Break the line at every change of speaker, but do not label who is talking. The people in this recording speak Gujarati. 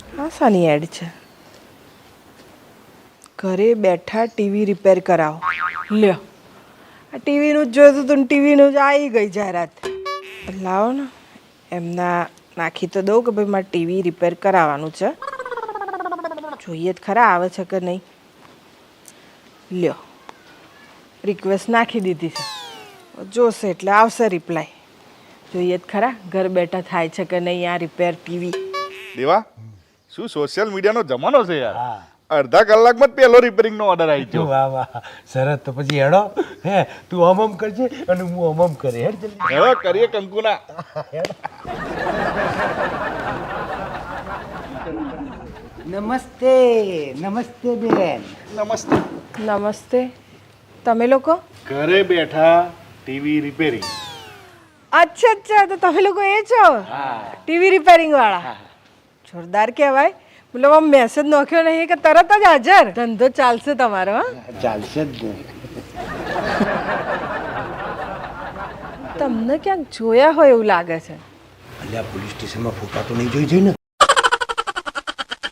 હા સાની એડ છે. ઘરે બેઠા ટીવી રિપેર કરાવો. લ્યો આ ટીવીનું જ જોયું હતું ને ટીવીનું જ આવી ગઈ જાહેરાત. લાવો ને એમના નાખી તો દઉં કે ભાઈ મારે ટીવી રિપેર કરાવવાનું છે. જોઈએ જ ખરા આવે છે કે નહીં. લ્યો રિક્વેસ્ટ નાખી દીધી છે. જોશે એટલે આવશે રિપ્લાય. જોઈએ જ ખરા ઘર બેઠા થાય છે કે નહીં આ રિપેર ટીવી.
દેવા શું સોશિયલ મીડિયાનો જમાનો છે યાર. અડધા કલાકમાં જ પહેલો રિપેરિંગનો ઓર્ડર આવી ગયો.
વાહ વાહ સરસ. તો પછી હેડો હે તું અમમ કરજે અને હું અમમ કરે હેડ જલ્દી.
હવે કરીએ કંકુના.
નમસ્તે નમસ્તે બેન.
નમસ્તે.
નમસ્તે. તમે લોકો?
ઘરે બેઠા ટીવી રિપેરિંગ.
અચ્છા અચ્છા તો તમે લોકો એ છો ટીવી રિપેરિંગ વાળા. જોરદાર કહેવાય. મતલબ આમ મેસેજ નાખ્યો નહીં કે તરત જ હાજર. ધંધો ચાલશે તમારો. હા
ચાલશે જ ને.
તમને ક્યાંક જોયા હોય એવું લાગે છે.
અલ્યા પોલીસ સ્ટેશનમાં ફોટા તો નહીં જોઈ જઈ ને.